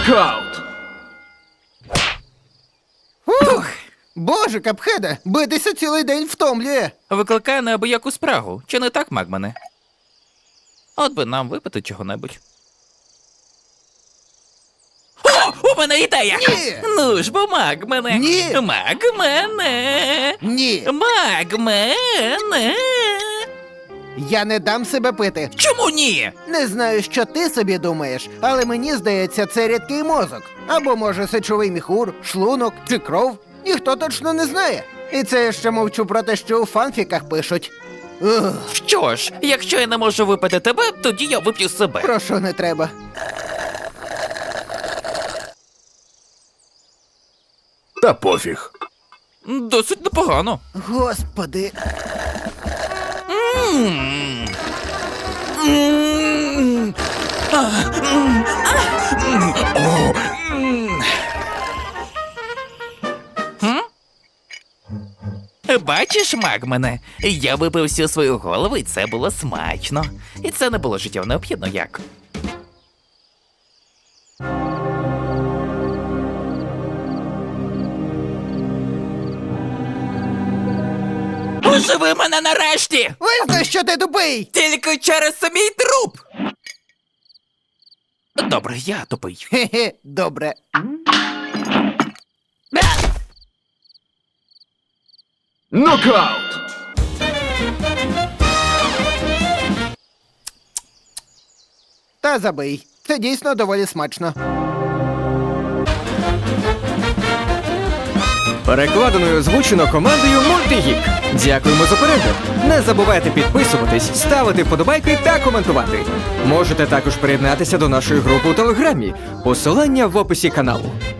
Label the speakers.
Speaker 1: Нокаут!
Speaker 2: Ух! Боже, Капхеде, битися цілий день втомлює.
Speaker 3: Викликає неабияку спрагу. Чи не так, Магмане? От би нам випити чого-небудь. О, у мене ідея!
Speaker 2: Ні!
Speaker 3: Ну ж бо, Магмане!
Speaker 2: Ні!
Speaker 3: Магмане!
Speaker 2: Ні,
Speaker 3: Магмане!
Speaker 2: я не дам себе пити.
Speaker 3: Чому ні?
Speaker 2: Не знаю, що ти собі думаєш, але мені здається, це рідкий мозок. Або, може, сечовий міхур, шлунок чи кров. Ніхто точно не знає. І це я ще мовчу про те, що у фанфіках пишуть. Ух,
Speaker 3: Що ж, якщо я не можу випити тебе, тоді я вип'ю себе.
Speaker 2: прошу, не треба.
Speaker 1: Та пофіг.
Speaker 3: Досить непогано.
Speaker 2: Господи.
Speaker 3: М. М. О. М? Бачиш, Магмане, я випив всю свою голову, і це було смачно. І це не було життєво необхідно, як? Оживи мене нарешті!
Speaker 2: Визнай, що ти тупий!
Speaker 3: Тільки через мій труп! Добре, я тупий.
Speaker 2: Хе-хе, добре.
Speaker 1: Нокаут!
Speaker 2: Та забий. Це дійсно доволі смачно.
Speaker 4: Перекладено і озвучено командою Мультигік. Дякуємо за перегляд. Не забувайте підписуватись, ставити вподобайки та коментувати. Можете також приєднатися до нашої групи у Телеграмі. Посилання в описі каналу.